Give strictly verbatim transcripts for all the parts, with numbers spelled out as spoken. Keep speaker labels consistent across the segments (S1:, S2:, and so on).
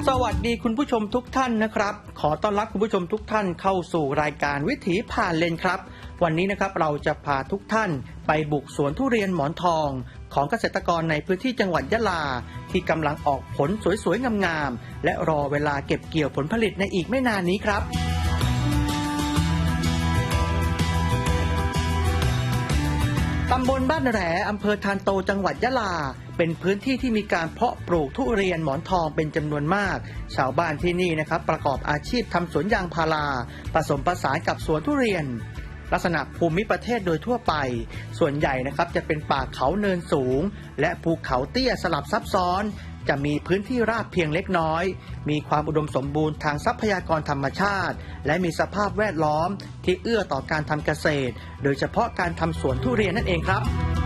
S1: สวัสดีคุณผู้ชมทุกท่านนะครับขอต้อนรับคุณผู้ชมทุกท่านเข้าสู่รายการวิถีผ่านเลนครับวันนี้นะครับเราจะพาทุกท่านไปบุกสวนทุเรียนหมอนทองของเกษตรกรในพื้นที่จังหวัดยะลาที่กำลังออกผลสวยๆงามๆและรอเวลาเก็บเกี่ยวผลผลิตในอีกไม่นานนี้ครับตำบลบ้านแหลอำเภอธารโตจังหวัดยะลาเป็นพื้นที่ที่มีการเพาะปลูกทุเรียนหมอนทองเป็นจำนวนมากชาวบ้านที่นี่นะครับประกอบอาชีพทำสวนยางพาราผสมผสานกับสวนทุเรียนลักษณะภูมิประเทศโดยทั่วไปส่วนใหญ่นะครับจะเป็นป่าเขาเนินสูงและภูเขาเตี้ยสลับซับซ้อนจะมีพื้นที่ราบเพียงเล็กน้อยมีความอุดมสมบูรณ์ทางทรัพยากรธรรมชาติและมีสภาพแวดล้อมที่เอื้อต่อการทำเกษตรโดยเฉพาะการทำสวนทุเรียนนั่นเองครับ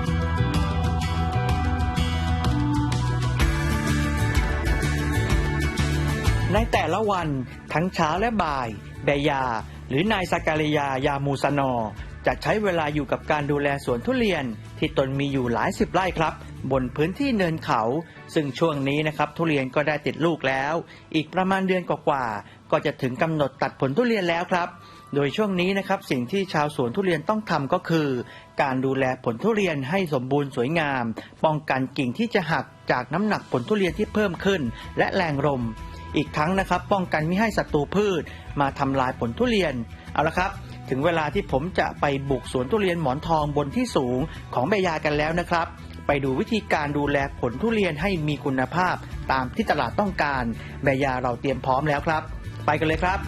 S1: ในแต่ละวันทั้งเช้าและบ่ายแบยาหรือนายสการิยายามูสนอจะใช้เวลาอยู่กับการดูแลสวนทุเรียนที่ตนมีอยู่หลายสิบไร่ครับบนพื้นที่เนินเขาซึ่งช่วงนี้นะครับทุเรียนก็ได้ติดลูกแล้วอีกประมาณเดือนกว่าๆก็จะถึงกำหนดตัดผลทุเรียนแล้วครับโดยช่วงนี้นะครับสิ่งที่ชาวสวนทุเรียนต้องทำก็คือการดูแลผลทุเรียนให้สมบูรณ์สวยงามป้องกันกิ่งที่จะหักจากน้ำหนักผลทุเรียนที่เพิ่มขึ้นและแรงลมอีกทั้งนะครับป้องกันไม่ให้ศัตรูพืชมาทำลายผลทุเรียนเอาละครับถึงเวลาที่ผมจะไปบุกสวนทุเรียนหมอนทองบนที่สูงของแบยากันแล้วนะครับไปดูวิธีการดูแลผลทุเรียนให้มีคุณภาพตามที่ตลาดต้องการแบยาเราเตรียมพร้อมแล้วครับไปกันเลยครับ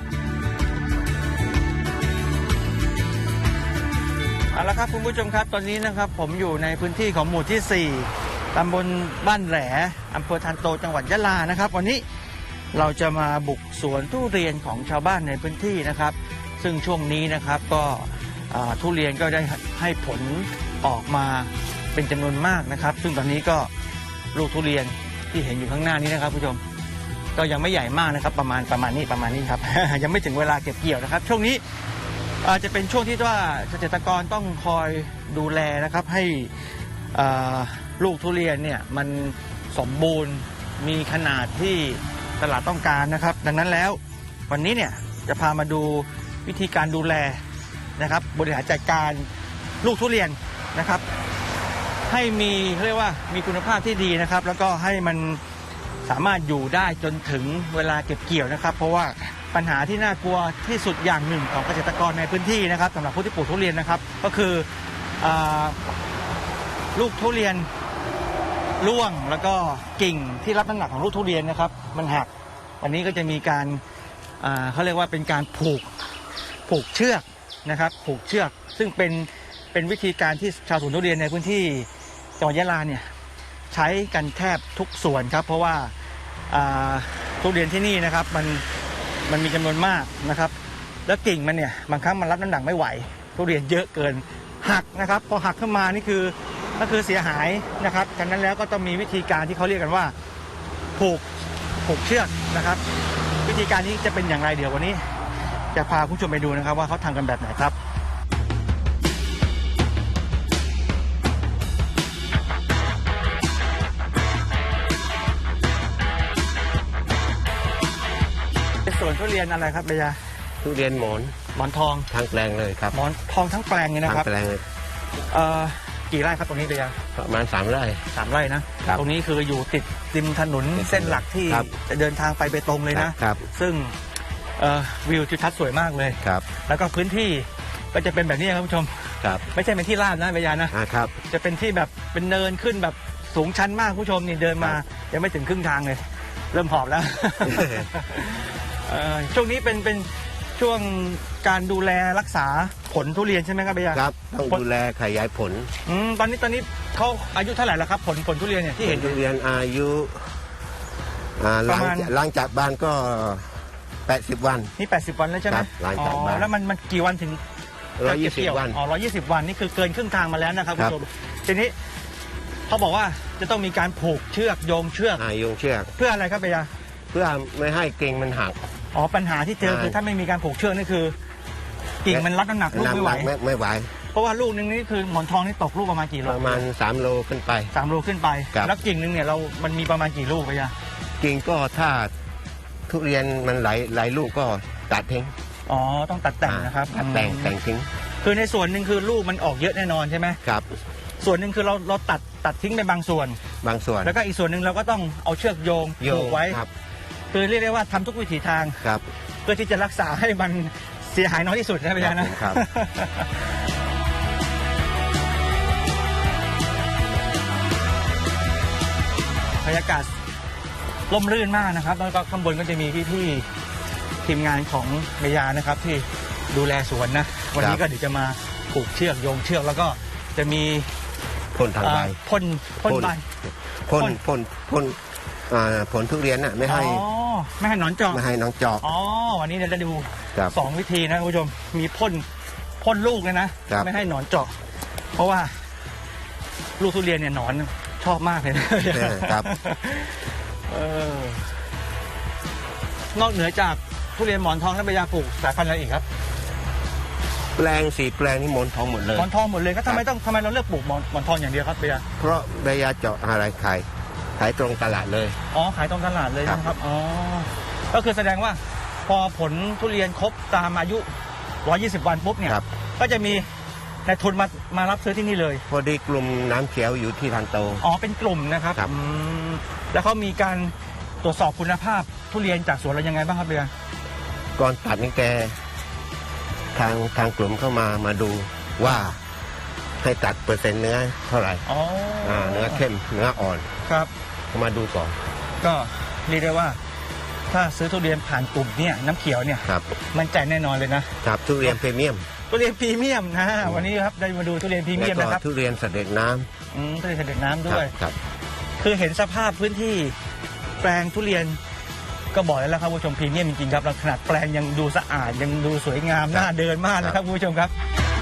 S1: เอาละครับคุณผู้ชมครับตอนนี้นะครับผมอยู่ในพื้นที่ของหมู่ที่สี่ตำบลบ้านแหลอำเภอธารโตจังหวัดยะลานะครับวันนี้เราจะมาบุกสวนทุเรียนของชาวบ้านในพื้นที่นะครับซึ่งช่วงนี้นะครับก็ทุเรียนก็ได้ให้ผลออกมาเป็นจำนวนมากนะครับซึ่งตอนนี้ก็ลูกทุเรียนที่เห็นอยู่ข้างหน้านี้นะครับผู้ชมก็ยังไม่ใหญ่มากนะครับประมาณประมาณนี้ประมาณนี้ครับ ยังไม่ถึงเวลาเก็บเกี่ยวนะครับช่วงนี้อาจจะเป็นช่วงที่ว่าเกษตรกรต้องคอยดูแลนะครับให้ลูกทุเรียนเนี่ยมันสมบูรณ์มีขนาดที่ตลาดต้องการนะครับดังนั้นแล้ววันนี้เนี่ยจะพามาดูวิธีการดูแลนะครับบริหารจัดการลูกทุเรียนนะครับให้มีเรียกว่ามีคุณภาพที่ดีนะครับแล้วก็ให้มันสามารถอยู่ได้จนถึงเวลาเก็บเกี่ยวนะครับเพราะว่าปัญหาที่น่ากลัวที่สุดอย่างหนึ่งของเกษตรกรในพื้นที่นะครับสำหรับผู้ที่ปลูกทุเรียนนะครับก็คือลูกทุเรียนร่วงแล้วก็กิ่งที่รับน้ำหนักของลูกทุเรียนนะครับมันหักวันนี้ก็จะมีการเขาเรียกว่าเป็นการผูกผูกเชือกนะครับผูกเชือกซึ่งเป็นเป็นวิธีการที่ชาวสวนทุเรียนในพื้นที่จังหวัดยะลาเนี่ยใช้กันแทบทุกส่วนครับเพราะว่าทุเรียนที่นี่นะครับมันมันมีจำนวนมากนะครับแล้วกิ่งมันเนี่ยบางครั้งมันรับน้ำหนักไม่ไหวทุเรียนเยอะเกินหักนะครับพอหักขึ้นมานี่คือก็คือเสียหายนะครับฉะนั้นแล้วก็ต้องมีวิธีการที่เขาเรียกกันว่าผูกผูกเชือกนะครับวิธีการนี้จะเป็นอย่างไรเดี๋ยววันนี้จะพาผู้ชมไปดูนะครับว่าเขาทำกันแบบไหนครับสวนทุเรียนอะไรครับเบียร์
S2: ทุเรียนหมอน
S1: หมอนทอง
S2: ทั้งแปลงเลยครับ
S1: หมอนทองทั้งแปลงเลยนะครับ
S2: ทั้งแปลงเลย
S1: เอ่อกี่ไร่ครับตรงนี้เบียร์
S2: ประมาณสามไร่
S1: สามไร่นะตรงนี้คืออยู่ติดริมถนนเส้นหลักที่จะเดินทางไปเบตงเลยนะครับซึ่งวิวทิวทัศน์สวยมากเลย
S2: ครับ
S1: แล้วก็พื้นที่ก็จะเป็นแบบนี้ครับผู้ชม
S2: ครับ
S1: ไม่ใช่เป็นที่ราบนะเบียร์
S2: นะครับ
S1: จะเป็นที่แบบเป็นเนินขึ้นแบบสูงชันมากผู้ชมนี่เดินมายังไม่ถึงครึ่งทางเลยเริ่มหอบแล้ว ช่วงนี้เป็นเป็นช่วงการดูแลรักษาผลทุเรียนใช่ไหมครับเบียร์
S2: ครับต้องดูแลขยายผล
S1: อืมตอนนี้ตอนนี้เขาอายุเท่าไหร่แล้วครับผลผลทุเรียนเนี่ยที่เห็น
S2: ทุเรียนอายุประมาณหลังจากบานก็แปดสิบวัน
S1: นี่แปดสิบวันแล้วใช่ไหม
S2: หลังจากบาน
S1: แล้วมันมันกี่วันถึง
S2: ร้อยยี่สิบวัน
S1: อ๋อร้อยยี่สิบวันนี่คือเกินครึ่งทางมาแล้วนะครับคุณผู้ชมทีนี้เขาบอกว่าจะต้องมีการผูกเชือกโยงเชือก
S2: โยงเชือก
S1: เพื่ออะไรครับเบียร์
S2: เพื่อไม่ให้กิ่งมันหัก
S1: อ๋อปัญหาที่เจอคือถ้าไม่มีการผูกเชือกนี่คือกิ่งมันรับน้ำหนักลูกไม่ไหว
S2: ไม่ไหว
S1: เพราะว่าลูกนึงนี่คือหมอนทองนี่ตกลูกประมาณกี่โล
S2: ประมาณสามโลขึ้นไป
S1: สามโลขึ้นไปแล้วกิ่งนึงเนี่ยเรามันมีประมาณกี่ลูกไปยะ
S2: กิ่งก็ถ้าทุเรียนมันหลายหลายลูกก็ตัดทิ้ง
S1: อ๋อต้องตัดแต่งนะครับ
S2: ตัดแต่งแต่งทิ้ง
S1: คือในส่วนหนึ่งคือลูกมันออกเยอะแน่นอนใช่ไหม
S2: ครับ
S1: ส่วนหนึ่งคือเราเราตัดตัดทิ้งไปบางส่วน
S2: บางส่วน
S1: แล้วก็อีกส่วนหนึ่งเราก็ต้องเอาเชือกโยง
S2: โย
S1: ผู
S2: ง
S1: กไว้
S2: ครับ
S1: คือเรียกได้ว่าทำทุกวิถีทาง
S2: ครับ
S1: เพื่อที่จะรักษาให้มันเสียหายน้อยที่สุดนะพี่ยานะ
S2: ครับ
S1: บรรยากาศร่มรื่นมากนะครับ แล้วก็ข้างบนก็จะมีพี่ๆทีมงานของเมยานะครับ ที่ดูแลสวนนะ วันนี้ก็เดี๋ยวจะมาผูกเชือกโยงเชือกแล้วก็จะมี
S2: พ่นทางใบ
S1: เอ่อพ่นพ่นใบ
S2: พ่นพ่นพ่นอ่าผลทุเรียนน่ะไม่ให้
S1: อ๋อไม่ให้หนอนเจาะ
S2: ไม่ให้น้องจอก
S1: อ๋อวันนี้เราจะดู
S2: ครับ
S1: สองวิธีนะคุณผู้ชมมีพ่นพ่นลูกเลยนะครับ ไม่ให้หนอนเจาะ เพราะว่าลูกทุเรียนเนี่ยหนอนชอบมากเลยนะ
S2: เออครับ
S1: เออนอกเหนือจากทุเรียนหมอนทองและใบยาปลูกสายพันธุ์อะไรอีกครับ
S2: แปลงสีแปลงนี่หมอนทองหมดเลย
S1: หมอนทองหมดเลยก็ทำไมต้องทำไมเราเลือกปลูกหมอนหมอนทองอย่างเดียวครับใบยา
S2: เพราะใบยาเจาะอะไรขายขายตรงตลาดเลย
S1: อ๋อขายตรงตลาดเลย
S2: ครับ
S1: นะครับอ๋อก็คือแสดงว่าพอผลทุเรียนครบตามอายุหนึ่งร้อยยี่สิบวันปุ๊บเนี่ย
S2: ครับ
S1: ก็จะมีนายทุนมามารับซื้อที่นี่เลย
S2: พอดีกลุ่มน้ำเขียวอยู่ที่ทันโต
S1: อ๋อเป็นกลุ่มนะครับ
S2: ครับ
S1: อืมแล้วเขามีการตรวจสอบคุณภาพทุเรียนจากสวนเรายังไงบ้างครับเบียร์
S2: ก่อนตัดนี่แกทางทางกลุ่มเข้ามามาดูว่าให้ตัดเปอร์เซ็นต์เนื้อเท่าไหร่
S1: อ๋ออ่
S2: าเนื้อเข้มเนื้ออ่อน
S1: ครับ
S2: เขามาดูก่อน
S1: ก็เรียกได้ว่า ถ้าซื้อทุเรียนผ่านกลุ่มเนี่ยน้ำเขียวเนี่ย
S2: ครับ
S1: มันใจแน่นอนเลยนะครับ
S2: ทุเรียนพรีเมียม
S1: ทุเรียนพรีเมียมนะวันนี้ครับได้มาดูทุเรียนพรีเมียม
S2: แล้วก็
S1: นะครับ
S2: ทุเรียนเสด็จน้ำ
S1: อืมทุเรียนเสด็จน้ำ
S2: ค
S1: ด้
S2: รั
S1: วย
S2: ครับ
S1: คือเห็นสภาพพื้นที่แปลงทุเรียนก็บอกแล้วครับคุณผู้ชมพรีเมียมจริงๆครับแล้วขนาดแปลงยังดูสะอาดยังดูสวยงาม
S2: ครับ
S1: น่าเดินมากนะครับคุณผู้ชมครับ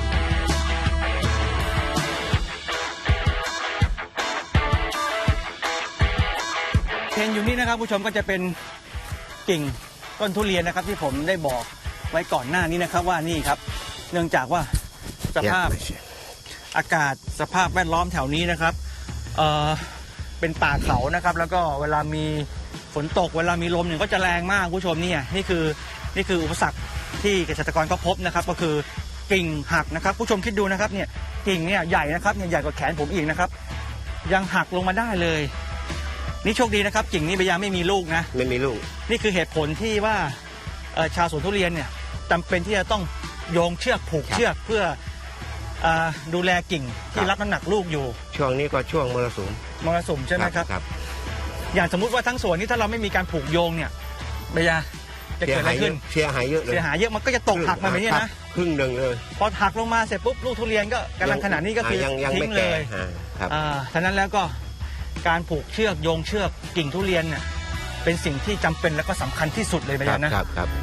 S1: เห็นอยู่นี่นะครับคุณผู้ชมก็จะเป็นกิ่งต้นทุเรียนนะครับ ที่ผมได้บอกไว้ก่อนหน้านี้นะครับว่านี่ครับ เนื่องจากว่าสภาพ อากาศสภาพแวดล้อมแถวนี้นะครับเอ่อเป็นป่าเขานะครับ แล้วก็เวลามีฝนตกเวลามีลมเนี่ยก็จะแรงมากคุณผู้ชมเนี่ยนี่คือนี่คืออุปสรรคที่เกษตรกรก็พบนะครับ ก็คือกิ่งหักนะครับผู้ชมคิดดูนะครับเนี่ยกิ่งเนี่ยใหญ่นะครับเนี่ยใหญ่กว่าแขนผมอีกนะครับ ยังหักลงมาได้เลย นี่โชคดีนะครับกิ่งนี้พยายามไม่มีลูกนะ
S2: ไม่มีลูก
S1: นี่คือเหตุผลที่ว่าเอ่อชาวสวนทุเรียนเนี่ยจำเป็นที่จะต้องโยงเชือกผูก
S2: ครับ
S1: เชือกเพื่ออ่าดูแลกิ่งที่
S2: ครับ
S1: รับน้ำหนักลูกอยู่
S2: ช่วงนี้ก็ช่วงมรสุม
S1: มรสุมใช่ไหมครับ
S2: ครับ
S1: อย่างสมมุติว่าทั้งสวนนี้ถ้าเราไม่มีการผูกโยงเนี่ยเบียร์จะ
S2: เสี
S1: เกิ
S2: ย
S1: ดอะไร
S2: หายเย
S1: ขึ้น
S2: อะเสียหายเยอะเลย
S1: เสียหายเยอะมันก็จะตกหักมาแบบนี้
S2: ครับ
S1: นะ
S2: ครึ่งหนึ่งเลย
S1: พอหักลงมาเสร็จปุ๊บลูกทุเรียนก็กำลังขนาดนี้ก็คือ
S2: ยังยัง
S1: ทิ้
S2: ไม่
S1: งเล
S2: แก่
S1: ย
S2: อ่าครับ
S1: อ่าฉะนั้นแล้วก็การผูกเชือกโยงเชือกกิ่งทุเรียนเนี่ยเป็นสิ่งที่จำเป็นและก็สำคัญที่สุดเลยเบียร์นะ
S2: ครับครับ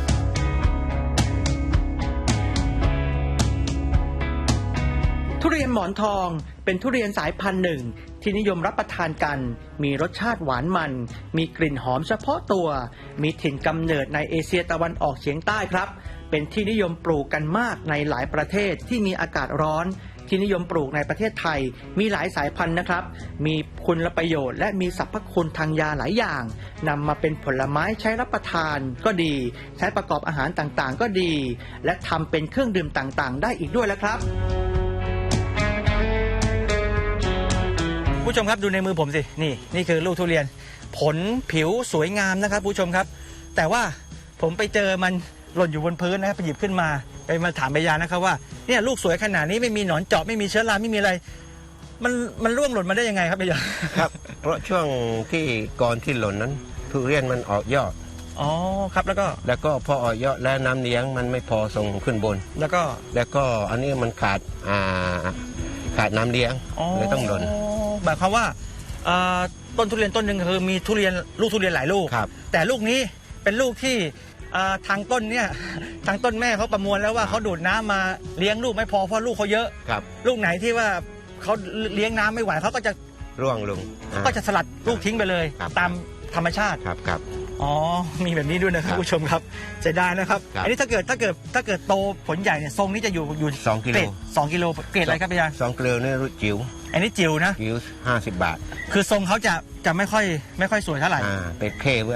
S1: ทุเรียนหมอนทองเป็นทุเรียนสายพันธุ์หนึ่งที่นิยมรับประทานกัน มีรสชาติหวานมัน มีกลิ่นหอมเฉพาะตัว มีถิ่นกำเนิดในเอเชียตะวันออกเฉียงใต้ครับ เป็นที่นิยมปลูกกันมากในหลายประเทศที่มีอากาศร้อน ที่นิยมปลูกในประเทศไทย มีหลายสายพันธุ์นะครับ มีคุณประโยชน์และมีสรรพคุณทางยาหลายอย่างนำมาเป็นผลไม้ใช้รับประทานก็ดี ใช้ประกอบอาหารต่างๆ ก็ดี และทำเป็นเครื่องดื่มต่างๆ ได้อีกด้วยแล้วครับ ผู้ชมครับดูในมือผมสินี่นี่คือลูกทุเรียน ผลผิวสวยงามนะครับผู้ชมครับ แต่ว่าผมไปเจอมันหล่นอยู่บนพื้นนะครับไปหยิบขึ้นมาไปมาถามใบยานะครับว่าเนี่ยลูกสวยขนาดนี้ไม่มีหนอนเจาะไม่มีเชื้อราไม่มีอะไร มันมันร่วงหล่นมาได้ยังไงครับใบยา
S2: ครับ เพราะช่วงที่ก่อนที่หล่นนั้น ทุเรียนมันออกยอด
S1: อ๋อครับแล้วก็
S2: แล้วก็พอออกยอดแล้วน้ำเลี้ยงมันไม่พอส่งขึ้นบน
S1: แล้วก็
S2: แล้วก็อันนี้มันขาดอ่าขาดน้ำเลี้ยงเลยต้องหล่น
S1: หมายความว่าเอ่อต้นทุเรียนต้นหนึ่งคือมีทุเรียนลูกทุเรียนหลายลูก
S2: ครับ
S1: แต่ลูกนี้เป็นลูกที่เอ่อทางต้นเนี่ย ทางต้นแม่เขาประมวลแล้วว่าเขาดูดน้ำมาเลี้ยงลูกไม่พอเพราะลูกเขาเยอะ
S2: ครับ
S1: ลูกไหนที่ว่าเขาเลี้ยงน้ำไม่ไหวเขาก็จะ
S2: ร่วงลงอ่า
S1: ก็จะสลัดลูกทิ้งไปเลย
S2: ครับ
S1: ตามธรรมชาติ
S2: ครับครับ
S1: อ๋อมีแบบนี้ด้วยนะครับ
S2: ครับ
S1: ผู้ชมครับเสียดายนะครับ
S2: ครับ
S1: อันนี้ถ้าเกิดถ้าเกิดถ้าเกิดโตผลใหญ่เนี่ยทรงนี้จะอยู่อยู่
S2: สองกิโล
S1: เกรดสองกิโลเกรดอะไรครับพี่ยา
S2: สองกิโลนี่รุ่นจิ๋ว
S1: อันนี้จิ๋วนะ
S2: จิ๋วห้าสิบบาท
S1: คือทรงเขาจะจะไม่ค่อยไม่ค่อยสวยเท่าไหร่
S2: อ่าเป็นเข้เว้ย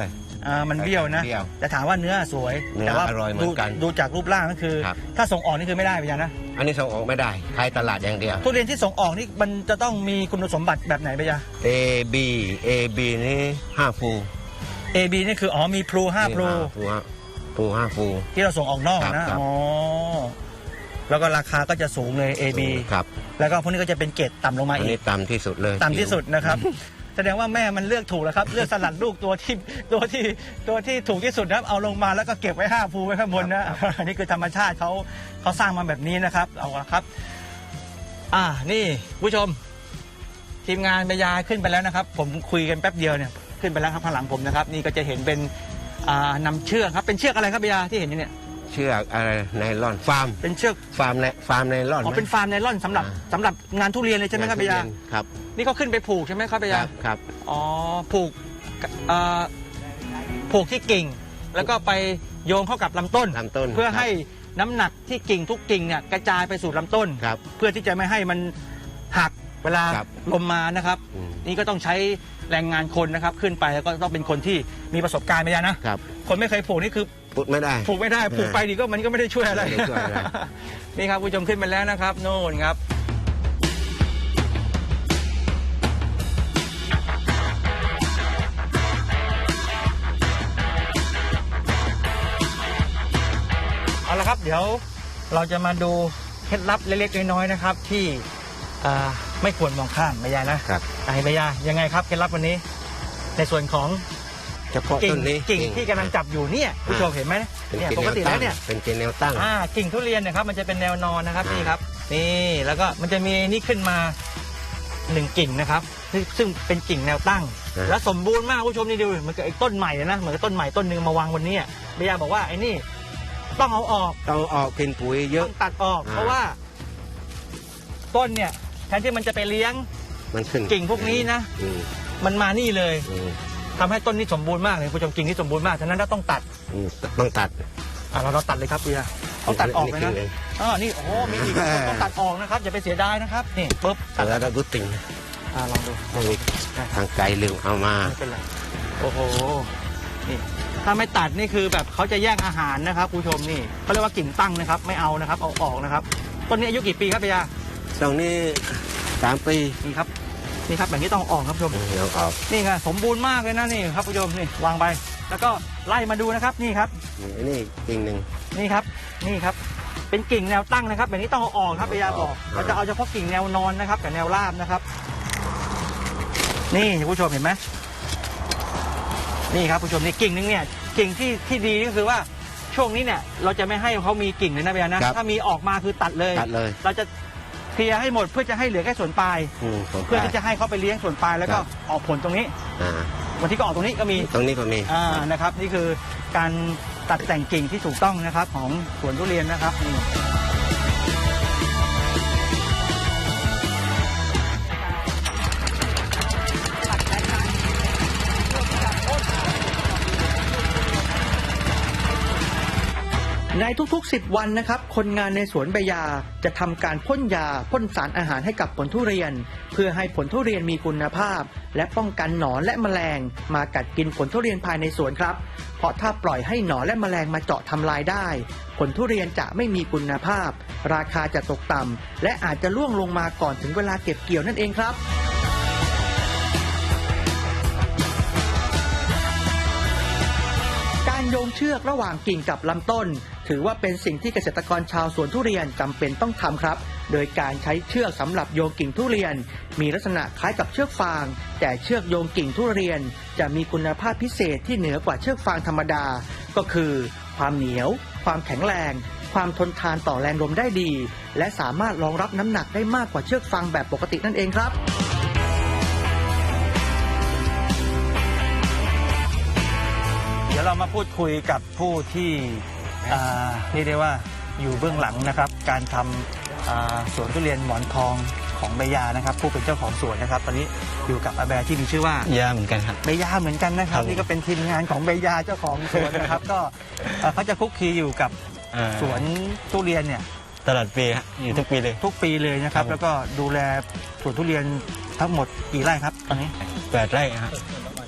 S1: อ่ามันเบี้ยวนะ
S2: เบี้ยว
S1: แต่ถามว่าเนื้อสวย
S2: เนื้อ
S1: แต่ว่า
S2: อร่อยเหมือนกัน
S1: ดูดูจากรูปร่างก็คือ
S2: ครับ
S1: ถ้าส่งออกนี่คือไม่ได้ไปยังนะ
S2: อันนี้ส่งออกไม่ได้ขายตลาดอย่างเดียว
S1: ทุเรียนที่ส่งออกนี่มันจะต้องมีคุณสมบัติแบบไหนไปยัง
S2: A B A B นี่ห้าฟู
S1: A B นี่คืออ๋อมีพลูห้าพลู
S2: ฟูห้าฟูห้าฟู
S1: ที่เราส่งออกนอก
S2: ครับ
S1: นะครับ อ๋อแล้วก็ราคาก็จะสูงเลย A B
S2: ครับ
S1: แล้วก็พวกนี้ก็จะเป็นเกรดต่ำลงมา
S2: อัน
S1: อี
S2: นี้
S1: ก
S2: ต่ำที่สุดเลย
S1: ต่ำที่สุดนะครับ แสดงว่าแม่มันเลือกถูกแล้วครับ เลือกสลัดลูกตัวที่ตัวที่ตัวที่ถูกที่สุดนะครับเอาลงมาแล้วก็เก็บไว้ห้าภูไว้ข้างบนนะ อันนี้คือธรรมชาติเขาเขาสร้างมาแบบนี้นะครับเอาละครับ อ่านี่ผู้ชม ทีมงานบรรยายขึ้นไปแล้วนะครับ ผมคุยกันแป๊บเดียวเนี่ยขึ้นไปแล้วครับข้างหลังผมนะครับ นี่ก็จะเห็นเป็นอ่านำเชือกครับเป็นเชือกอะไรครับบรรยายที่เห็นอยู่เนี่ย
S2: เชือกอะไรไนลอนฟาร์ม
S1: เป็นเชือก
S2: ฟาร์มในฟาร์มไนลอน
S1: อ๋อเป็นฟาร์มไนล่อนสำหรับ
S2: อ่า
S1: สำหรับงานทุเรียนเลยใช่ไหมครับบรรยาย
S2: ครับ
S1: นี่เขาขึ้นไปผูกใช่ไหมครับบรร
S2: ค
S1: ยา
S2: รั
S1: ย
S2: บครับ
S1: อ๋อผูกเอ่อผูกที่กิ่ง แล้วก็ไปโยงเข้ากับลำต้น
S2: ลำต้น
S1: เพื่อให้น้ำหนักที่กิ่งทุกกิ่งเนี่ยกระจายไปสู่ลำต้น
S2: ครับ
S1: เพื่อที่จะไม่ให้มันหักเวลา
S2: ครับ
S1: ลมมานะครับ
S2: อืม
S1: นี่ก็ต้องใช้แรงงานคนนะครับ ขึ้นไปแล้วก็ต้องเป็นคนที่มีประสบการณ์ไปยานะครับ คนไม่เคยผูกนี่คือ
S2: พูดไม่ได้
S1: ผูกไม่ได้ผูกไปดีก็มันก็ไม่ได้ช่วยอะไร
S2: ไม่ได้ช่วยอะไร
S1: นี่ครับผู้ชมขึ้นไปแล้วนะครับโน่นครับ เอาละครับเดี๋ยวเราจะมาดูเคล็ดลับเล็กๆน้อยๆนะครับ ที่อ่าไม่ควรมองข้ามใบยานะครับ ไอ้ใบยายังไงครับเคล็ดลับวันนี้ ในส่วนของ
S2: เฉพาะ
S1: กิ่
S2: ต้
S1: ง
S2: นนี้
S1: กิ่งที่กำลังจับอยู่เนี่ยผู้ชมเห็นไหม
S2: เป็น
S1: เนี่ย
S2: กิ่ง
S1: ปกติ
S2: แนว
S1: แล้
S2: ตั้
S1: ว
S2: ง
S1: เนี่ย
S2: เป็นกิ่งแนวตั้ง
S1: อ่ากิ่งทุเรียนเนะครับมันจะเป็นแนวนอนนะครับ
S2: อ่านี่
S1: นี่ครับนี่แล้วก็มันจะมีนี่ขึ้นมาหนึ่งกิ่งนะครับซึ่งซึ่งเป็นกิ่งแนวตั้ง แล้วสมบูรณ์มากผู้ชมนี่ดูเหมือนกับไอ้ต้นใหม่เลยนะเหมือนกับต้นใหม่ต้นหนึ่งมาวางวันนี้เบียาบอกว่าไอ้นี่ต้องเอาออก
S2: ต้องออกเป็นปุ๋ยเย
S1: ต้
S2: อะ
S1: องตัดออก
S2: อ่า
S1: เพราะว่า ต้นเนี่ยแทนที่มันจะไปเลี้ยง
S2: มันขึ้น
S1: กิ่งพวกนี้นะ
S2: อืม
S1: มันมานี่เลย
S2: อืม
S1: ทำให้ต้นนี้สมบูรณ์มากเลยผู้ชมกิ่งที่สมบูรณ์มากฉะนั้นเราต้องตัด
S2: อืมต้องตัด
S1: อ่ะเราเราตัดเลยครับเบียร์ต้องตัดออกเลยนะ
S2: นี่
S1: อ๋อนี่โอ้โหมีอีกต้องตัดออกนะครับอย่าไปเสียดายนะครับนี่ปุ๊บ
S2: ตัดแล้วเราดูติ่ง
S1: อ่าลองดู
S2: ไม่มีทางไกลลืมเอามา
S1: ไม่เป็นไรโอ้โหนี่ถ้าไม่ตัดนี่คือแบบเขาจะแย่งอาหารนะครับผู้ชมนี่เขาเรียกว่ากิ่งตั้งนะครับ ไม่เอานะครับเอาออกนะครับต้นนี้อายุกี่ปีครับเบียร์
S2: ตรงนี้สามปี
S1: นี่ครับนี่ครับแบบนี้ต้องเอาออกครับผู้ชม
S2: เดี๋ยวออก
S1: นี่ไงสมบูรณ์มากเลยนะนี่ครับผู้ชมนี่วางไป แล้วก็ไล่มาดูนะครับนี่ครับ
S2: นี่นี่กิ่งหนึ่ง
S1: นี่ครับนี่ครับ เป็นกิ่งแนวตั้งนะครับแบบนี้ต้องเอาออกครับพยาบอก
S2: อ่า
S1: เราจะเอาเฉพาะกิ่งแนวนอนนะครับกับแนวราบนะครับ นี่ผู้ชมเห็นไหมนี่ครับผู้ชมนี่กิ่งนึงเนี่ยกิ่งที่ที่ดีก็คือว่าช่วงนี้เนี่ย เราจะไม่ให้เขามีกิ่งเลยนะพยานะถ้ามีออกมาคือตัดเลย
S2: ตัดเลย
S1: เราจะเคลียร์ให้หมดเพื่อจะให้เหลือแค่ส่วนปลาย
S2: อืมผม
S1: เพื่อที่จะให้เขาไปเลี้ยงส่วนปลายแล้วก็ออกผลตรงนี้
S2: อ่า
S1: วันที่ก็ออกตรงนี้ก็มี
S2: ตรงนี้ก็มี
S1: อ่า นะครับ นี่คือการตัดแต่งกิ่งที่ถูกต้องนะครับของสวนทุเรียนนะครับนี่ ในทุกๆ สิบ วันนะครับ คนงานในสวนใบยาจะทำการพ่นยาพ่นสารอาหารให้กับผลทุเรียน เพื่อให้ผลทุเรียนมีคุณภาพ และป้องกันหนอนและแมลง มากัดกินผลทุเรียนภายในสวนครับ เพราะถ้าปล่อยให้หนอนและแมลงมาเจาะทำลายได้ ผลทุเรียนจะไม่มีคุณภาพ ราคาจะตกต่ำและอาจจะล่วงลงมาก่อนถึงเวลาเก็บเกี่ยวนั่นเองครับ การโยงเชือกระหว่างกิ่งกับลำต้น ถือว่าเป็นสิ่งที่เกษตรกรชาวสวนทุเรียนจำเป็นต้องทำครับ โดยการใช้เชือกสำหรับโยงกิ่งทุเรียน มีลักษณะคล้ายกับเชือกฟาง แต่เชือกโยงกิ่งทุเรียน จะมีคุณภาพพิเศษที่เหนือกว่าเชือกฟางธรรมดา ก็คือ ความเหนียว ความแข็งแรง ความทนทานต่อแรงลมได้ดี และสามารถรองรับน้ำหนักได้มากกว่าเชือกฟางแบบปกตินั่นเองครับ เดี๋ยวเรามาพูดคุยกับผู้ที่อ่าเรียกได้ว่าอยู่เบื้องหลังนะครับ การทำอ่าสวนทุเรียนหมอนทองของใบยานะครับ ผู้เป็นเจ้าของสวนนะครับ ตอนนี้อยู่กับอาแบร์ที่มีชื่อว่าย
S3: าเหมือนกันครับ
S1: ใบยาเหมือนกันนะครับ
S3: ครับ
S1: นี่ก็เป็นทีมงานของใบยาเจ้าของสวนนะครับ ก็เอ่อเขาจะคลุกคลีอยู่กับ
S3: อ่า
S1: สวนทุเรียนเนี่ย
S3: ตลอดปีฮะอยู่ทุกปีเลย
S1: ทุกปีเลยนะครับ
S3: ครับ
S1: แล้วก็ดูแลสวนทุเรียนทั้งหมดกี่ไร่ครับตอนนี้
S3: แปดไร่ฮะ
S1: แ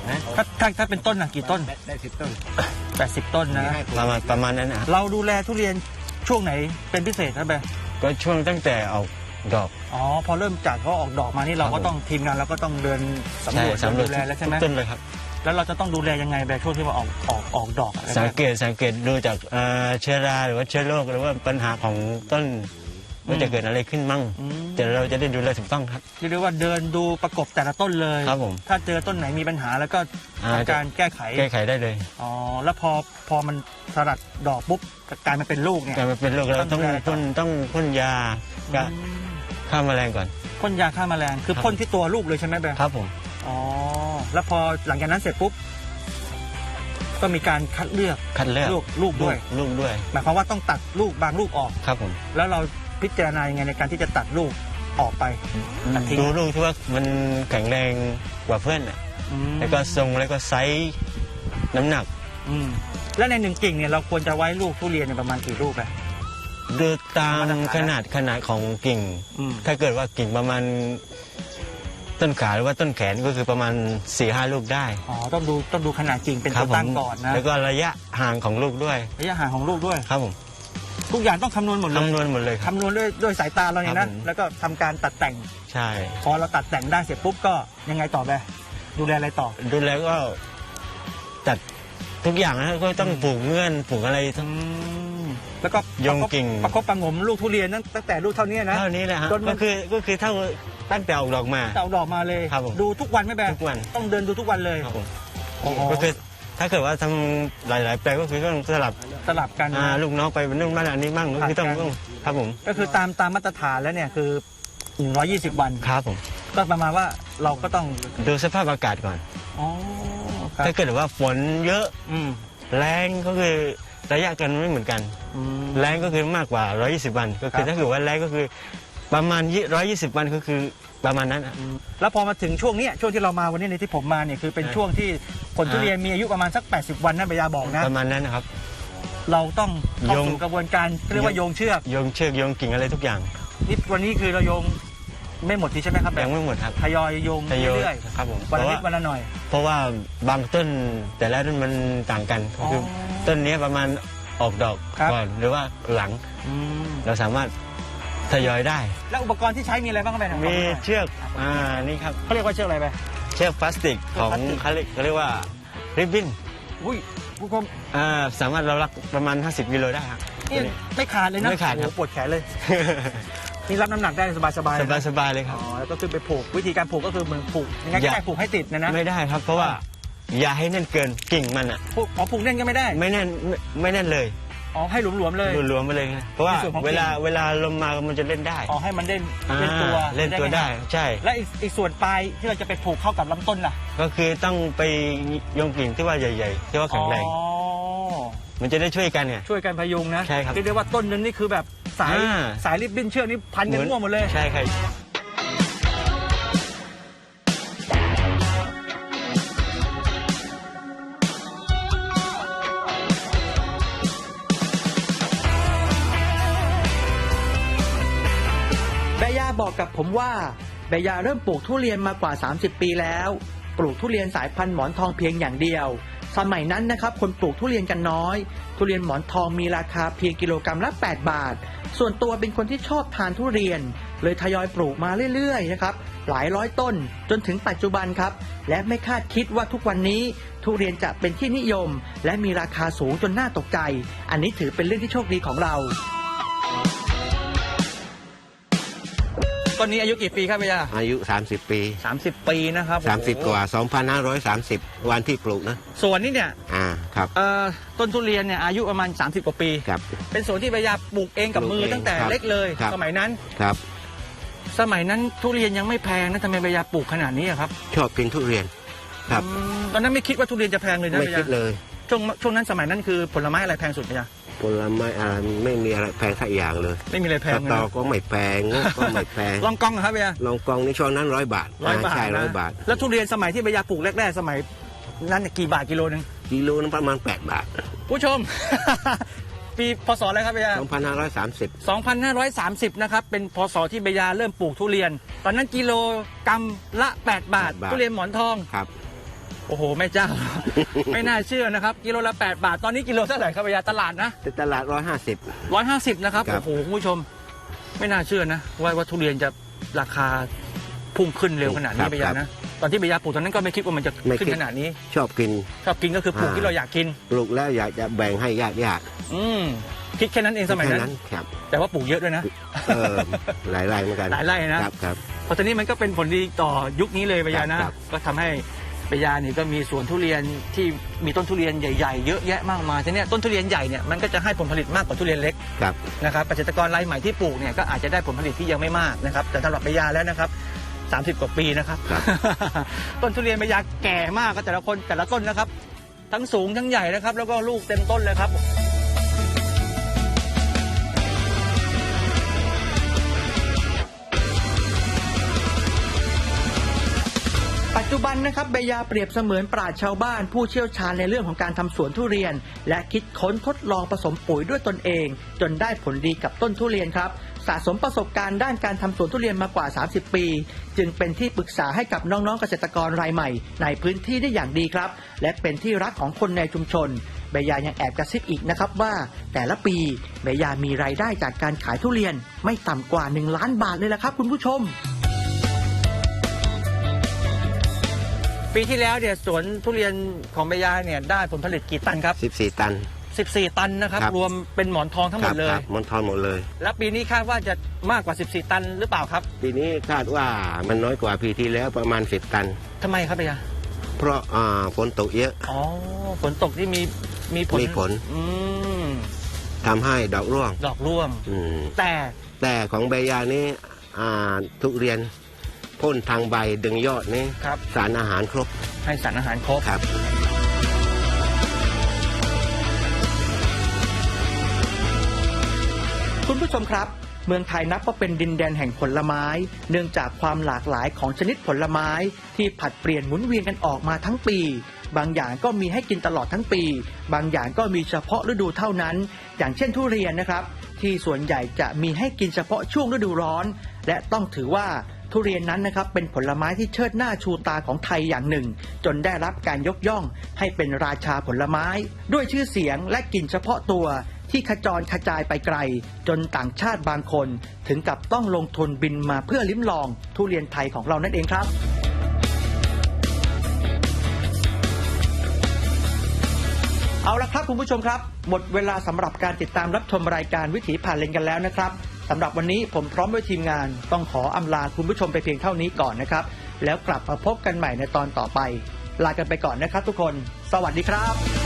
S2: นะ
S1: ถ้าถ้าถ้าเป็นต้นน่ะกี่ต้น
S2: ได้สิบต้น
S1: แปดสิบต้นนะ
S3: ประมาณประมาณนั้นนะ
S1: เราดูแลทุเรียนช่วงไหนเป็นพิเศษครับแบร์
S3: ก็ช่วงตั้งแต่ออกดอก
S1: อ๋อพอเริ่มจากเขาออกดอกมานี่เราก็ต้องทีมงานเราก็ต้องเดินสำรวจ
S3: สำรวจ
S1: ดูแลแล้วใช่ไหม
S3: ทุกต้นเลยครับ
S1: แล้วเราจะต้องดูแลยังไงแบร์ช่วงที่ว่าออกออกออกดอกอะไร
S3: สังเกตสังเกตดูจากเอ่อเชื้อราหรือว่าเชื้อโรคหรือว่าปัญหาของต้นว่าจะเกิดอะไรขึ้นมั่ง
S1: อืม
S3: แต่เราจะได้ดูแลถูกต้องครับ
S1: เรียกว่าเดินดูประกบแต่ละต้นเลย
S3: ครับผม
S1: ถ้าเจอต้นไหนมีปัญหาแล้วก็
S3: อ่า
S1: ทำการแก้ไข
S3: แก้ไขได้เลย
S1: อ๋อแล้วพอพอมันสลัดดอกปุ๊บกลายมาเป็นลูกเนี่ย
S3: การมาเป็นโรคเราต้อง
S1: ต้องดูแลต่อ
S3: พ่นต้องพ่นยา
S1: อืม
S3: ฆ่าแมลงก่อน
S1: พ่นยาฆ่าแมลงคือ
S3: ครับ
S1: พ่นที่ตัวลูกเลยใช่ไหมแบร์
S3: ครับผม
S1: อ๋อแล้วพอหลังจากนั้นเสร็จปุ๊บก็มีการคัดเลือก
S3: คัดเลือก
S1: ลูกลูกด้วย
S3: ลูกด้วย
S1: หมายความว่าต้องตัดลูกบางลูกออก
S3: ครับผม
S1: แล้วเราพิจารณายังไงในการที่จะตัดลูกออกไปตัดทิ้ง
S3: ดูลูกที่ว่ามันแข็งแรงกว่าเพื่อนน่ะ
S1: อืม
S3: แล้วก็ทรงแล้วก็ไซส์น้ำหนัก
S1: อืมแล้วในหนึ่งกิ่งเนี่ยเราควรจะไว้ลูกทุเรียนเนี่ยประมาณกี่ลูกอะ
S3: ดูตาม
S1: มาตรฐาน
S3: ขนาดขนาดของกิ่ง
S1: อืม
S3: ถ้าเกิดว่ากิ่งประมาณต้นขาหรือว่าต้นแขนก็คือประมาณสี่ห้าลูกได้
S1: อ๋อต้องดูต้องดูขนาดกิ่งเป็น
S3: ครั
S1: ตัว
S3: ผม
S1: ตั้งก่อนนะ
S3: แล้วก็ระยะห่างของลูกด้วย
S1: ระยะห่างของลูกด้วย
S3: ครับผม
S1: ทุกอย่างต้องคำนวณหมดเลย
S3: คำนวณหมดเลยครับ
S1: คำนวณด้วยด้วยสายตาเราเนี่ย
S3: ครั
S1: นะ
S3: บผม
S1: แล้วก็ทำการตัดแต่ง
S3: ใช่
S1: พอเราตัดแต่งได้เสร็จปุ๊บก็ยังไงต่อไปดูแลอะไรต่อ
S3: ดูแล้วก็ตัดทุกอย่างนะก็ต้องปลูกเงื่อนปลูกอะไร
S1: อื
S3: ทั้ง
S1: มแล้วก็
S3: โยงกิ่ง
S1: ประคบประหงมลูกทุเรียนตั้งตั้งแต่ลูกเท่านี้นะ
S3: เท่านี้แหละฮะ
S1: จนมัน
S3: ก็คือก็คือเท่าตั้งแต่ออกดอกมา
S1: เต่าดอกมาเลย
S3: ครับผม
S1: ดูทุกวันไหมแบร์
S3: ทุกวัน
S1: ต้องเดินดูทุกวันเลย
S3: ครับผม
S1: โอ้โห
S3: ก็คือถ้าเกิดว่าทำหลาย ๆ แปลงก็คือต้องสลับ
S1: สลับกัน
S3: อ่าลูกน้องไปนู่นบ้านอันนี้บ้างก็คือต้อง
S1: ผัดกัน
S3: ต้องครับผม
S1: ก็คือตามตามมาตรฐานแล้วเนี่ยคือหนึ่งร้อยยี่สิบวัน
S3: ครับผม
S1: ก็ประมาณว่าเราก็ต้อง
S3: ดูสภาพอากาศก่อน
S1: อ๋อครับ
S3: ถ้าเกิดว่าฝนเยอะ
S1: อืม
S3: แรงก็คือระยะกันไม่เหมือนกัน
S1: อืม
S3: แรงก็คือมากกว่าหนึ่งร้อยยี่สิบวัน ก็คื
S1: ครั
S3: อบ ถ้าเกิดว่าแรงก็คือประมาณหนึ่งร้อยยี่สิบวันก็คือประมาณนั้นอะ
S1: แล้วพอมาถึงช่วงเนี้ยช่วงที่เรามาวันนี้ในที่ผมมาเนี่ยคือเป็น
S3: อ่า
S1: ช่วงที่ผลทุเรียนมีอายุประมาณสักแปดสิบวันนะเบยาบอกนะ
S3: ประมาณนั้นนะครับ
S1: เราต้องเข้า
S3: โยง
S1: สู่กระบวนการเรียกว่าโยงเชือก
S3: โยงเชือกโยงกิ่งอะไรทุกอย่าง
S1: นี่วันนี้คือเราโยงไม่หมดทีใช่ไหมครับแบ
S3: ยั
S1: บ
S3: งไม่หมดครับ
S1: ทยอยโยง
S3: ทยอย
S1: เรื่อย
S3: ครับผม
S1: ๆ
S3: เพ
S1: วันละ
S3: ราะ
S1: นิ
S3: ว่า
S1: ดวันละหน่อย
S3: เพราะว่าบางต้นแต่ละต้นมันต่างกันก็คืออ
S1: อ
S3: ต้นนี้ประมาณออกดอก
S1: ครับ
S3: ก่อนหรือว่าหลัง
S1: อืม
S3: เราสามารถทยอยได้
S1: แล้วอุปกรณ์ที่ใช้มีอะไรบ้างครับแบ
S3: มีเชือกอ่านี่ครับ
S1: เขาเรียกว่าเชือกอะไรไป
S3: เชือกพลาสติกของ
S1: พลาสติก
S3: เขาเรียกเขาเรียกว่าริบบิ้น
S1: อุ้ยผู้ชม
S3: อ่าสามารถเรารักประมาณห้าสิบกิโลได้ครับ
S1: นี่ไม่ขาดเลยนะ
S3: ไม่ขาดครับ
S1: โอ้โหปวดแขนเลย นี่รับน้ำหนักได้สบายๆ
S3: ส
S1: เลย
S3: บาย
S1: นะ
S3: สบายเลยค
S1: อ๋
S3: รับ
S1: อแล้วก็ขึ้นไปผูกวิธีการผูกก็คือเหมือนผูกยังไงก็
S3: อย่า
S1: ได้ผูกให้ติดนะนะ
S3: ไม่ได้ครับ เพราะว่าอย่าให้แน่นเกินกิ่งมันอ่ะ
S1: ผูกอ๋อผูกแน่นก็ไม่ได้
S3: ไม่แน่นไม่ไม่แน่นเลย
S1: อ๋อให้หลวมๆเลย
S3: รวมๆไปเลยนะเพราะว่า
S1: ในส่วนของ
S3: เวลา
S1: กิ่ง
S3: เวลาลมมามันจะเล่นได้
S1: อ๋อให้มันได้เล่นตัว
S3: อ่าเล่นตัวได้
S1: หม
S3: ใช่
S1: และอีกอีกส่วนปลายที่เราจะไปผูกเข้ากับลำต้นล่ะ
S3: ก็คือต้องไปโยงกิ่งที่ว่าใหญ่ๆที่ว่าแข็งแรง
S1: อ๋อ
S3: มันจะได้ช่วยกันไง
S1: ช่วยกันพยุงนะ
S3: ใช่ครับ
S1: เรียกได้ว่าต้นนึงนี่คือแบบสาย
S3: อ่า
S1: สายริบบิ้นเชือกนี่พันกันมั่วหมดเลย
S3: ใช่ครับ
S1: แบยาบอกกับผมว่าแบยาเริ่มปลูกทุเรียนมากว่าสามสิบปีแล้ว ปลูกทุเรียนสายพันธุ์หมอนทองเพียงอย่างเดียว สมัยนั้นนะครับคนปลูกทุเรียนกันน้อย ทุเรียนหมอนทองมีราคาเพียงกิโลกรัมละแปดบาท ส่วนตัวเป็นคนที่ชอบทานทุเรียน เลยทยอยปลูกมาเรื่อยๆนะครับหลายร้อยต้นจนถึงปัจจุบันครับและไม่คาดคิดว่าทุกวันนี้ทุเรียนจะเป็นที่นิยม และมีราคาสูงจนน่าตกใจ อันนี้ถือเป็นเรื่องที่โชคดีของเราต้นนี้อายุกี่ปีครับพี่ยา
S2: อายุ สามสิบ ปี
S1: สามสิบปีนะครับ
S2: สามสิบ กว่า สองพันห้าร้อยสามสิบ วันที่ปลูกนะ
S1: ส่วนนี้เนี่ย
S2: อ่าครับ
S1: เอ่อต้นทุเรียนเนี่ยอายุประมาณสามสิบกว่าปี
S2: ครับ
S1: เป็นสวนที่พยาปลูกเองกับมือ
S2: ปลูกเอง
S1: ตั้งแต่
S2: ครับ
S1: เล็กเลย
S2: ครับ
S1: สมัยนั้น
S2: ครับ
S1: สมัยนั้นทุเรียนยังไม่แพงนะทำไมพยาปลูกขนาดนี้อะครับ
S2: ชอบกินทุเรียน ครับ
S1: อืมตอนนั้นไม่คิดว่าทุเรียนจะแพงเลยนะ
S2: ไม่
S1: พ
S2: คิ
S1: ยา
S2: ดเลย
S1: ช่วงช่วงนั้นสมัยนั้นคือผลไม้อะไรแพงสุดพยา
S2: ผลไม้อะไรไม่มีอะไรแพงสักอย่างเลย
S1: ไม่มีอะไรแพ
S2: ส
S1: งเลย
S2: ตอ
S1: นะ
S2: ก็ไม่แพงงก็ไม่แพง
S1: ลองกองเหรอครับพยา
S2: ลองกองในช่วงนั้นร้อยบาท
S1: ร้อยบาท
S2: ใช่ร้อย
S1: นะ
S2: บาท
S1: แล้วทุเรียนสมัยที่พยาปลูกแรกๆสมัยนั้นเนี่ยกี่บาทกิโลนึง
S2: กิโลนึงประมาณแปดบาท
S1: ผู้ชม ปีพศอะไรครับพยา
S2: สองพันห้าร้อยสามสิบ
S1: สองพันห้าร้อยสามสิบ นะครับ เป็นพศที่เบยาเริ่มปลูกทุเรียน ตอนนั้นกิโลกรัมละ แปด บาท ทุเรียนหมอนทอง
S2: ครับ
S1: โอ้โหแม่เจ้า ไม่น่าเชื่อนะครับกิโลละแปดบาทตอนนี้กิโลเท่าไหร่ครับพยาตลาดนะ
S2: แต่ตลาดร้อยห้าสิบ
S1: ร้อยห้าสิบนะครับ
S2: ครั
S1: โอ้
S2: บ
S1: โหคุณผู้ชม ไม่น่าเชื่อนะว่าว่าทุเรียนจะราคาพุ่งขึ้นเร็วขนาดนี้พยานะตอนที่พยาปลูกตอนนั้นก็ไม่คิดว่ามันจะขึ้นขนาดนี้
S2: ชอบกิน
S1: ชอบกินก็คือปลูกที่เราอยากกิน
S2: ปลูกแล้วอยากจะแบ่งให้ญาติญาติ
S1: อืมคิดแค่นั้นเองสมัยนั้น
S2: ครับ
S1: แต่ว่าปลูกเยอะด้วยนะ
S2: เออหลายไร่เหมือนกัน
S1: หลายไร่นะครับ
S2: ครับ
S1: เพราะตอนนี้มันก็เป็นผลดีต่อยุคนี้เลยปยานะ
S2: ครับ
S1: ก็ทำให้ปยานี่ก็มีสวนทุเรียนที่มีต้นทุเรียนใหญ่ๆเยอะแยะมากมายทีเนี้ยต้นทุเรียนใหญ่เนี่ยมันก็จะให้ผลผลิตมากกว่าทุเรียนเล็ก
S2: ครับ
S1: นะครับเกษตรกรรายใหม่ที่ปลูกเนี่ยก็อาจจะได้ผลผลิตที่ยังไม่มากนะครับแต่สำหรับปยาแล้วนะครับสามสิบกว่าปีนะครับ
S2: ครับ
S1: ต้นทุเรียนปยาแก่มากก็แต่ละคนแต่ละต้นนะครับ ทั้งสูงทั้งใหญ่นะครับ แล้วก็ลูกเต็มต้นเลยครับ ปัจจุบันนะครับเบยาเปรียบเสมือนปราชญ์ชาวบ้านผู้เชี่ยวชาญในเรื่องของการทำสวนทุเรียน และคิดค้นทดลองผสมปุ๋ยด้วยตนเอง จนได้ผลดีกับต้นทุเรียนครับสะสมประสบการณ์ด้านการทำสวนทุเรียนมากว่าสามสิบปีจึงเป็นที่ปรึกษาให้กับน้องๆเกษตรกรรายใหม่ในพื้นที่ได้อย่างดีครับและเป็นที่รักของคนในชุมชนเบยายังแอบกระซิบอีกนะครับว่าแต่ละปีเบยามีรายได้จากการขายทุเรียนไม่ต่ำกว่าหนึ่งล้านบาทเลยละครับคุณผู้ชมปีที่แล้วเนี่ยสวนทุเรียนของเบยาเนี่ยได้ผลผลิตกี่ตันครับ
S2: สิบสี่ ตัน
S1: สิบสี่ ตันนะครับ
S2: ครับ
S1: รวมเป็นหมอนทองทั้งหมดเลย
S2: ครับมันทอนหมดเลย
S1: แล้วปีนี้คาดว่าจะมากกว่าสิบสี่ ตันหรือเปล่าครับ
S2: ปีนี้คาดว่ามันน้อยกว่าปีที่แล้วประมาณสิบตัน
S1: ทำไมครับเบยา
S2: เพราะอ่าฝนตกเยอะ
S1: อ๋อฝนตกที่มีมีผล
S2: มีผล
S1: อืม
S2: ทำให้ดอกร่วง
S1: ดอกร่วง
S2: อืม
S1: แต่
S2: แต่ของใบยานี้อ่าทุเรียนพ่นทางใบดึงยอดนี้
S1: ครับ
S2: สารอาหารครบ
S1: ให้สารอาหารครบ
S2: ครับ
S1: คุณผู้ชมครับเมืองไทยนับว่าเป็นดินแดนแห่งผลไม้ เนื่องจากความหลากหลายของชนิดผลไม้ที่ผลัดเปลี่ยนหมุนเวียนกันออกมาทั้งปี บางอย่างก็มีให้กินตลอดทั้งปี บางอย่างก็มีเฉพาะฤดูเท่านั้น อย่างเช่นทุเรียนนะครับที่ส่วนใหญ่จะมีให้กินเฉพาะช่วงฤดูร้อน และต้องถือว่าทุเรียนนั้นนะครับเป็นผลไม้ที่เชิดหน้าชูตาของไทยอย่างหนึ่ง จนได้รับการยกย่องให้เป็นราชาผลไม้ ด้วยชื่อเสียงและกลิ่นเฉพาะตัวที่ขจรกระจายไปไกล จนต่างชาติบางคนถึงกับต้องลงทุนบินมาเพื่อลิ้มลองทุเรียนไทยของเรานั่นเองครับเอาละครับคุณผู้ชมครับหมดเวลาสำหรับการติดตามรับชมรายการวิถีผ่านเลนกันแล้วนะครับสำหรับวันนี้ผมพร้อมด้วยทีมงานต้องขออำลาคุณผู้ชมไปเพียงเท่านี้ก่อนนะครับแล้วกลับมาพบกันใหม่ในตอนต่อไปลากันไปก่อนนะครับทุกคนสวัสดีครับ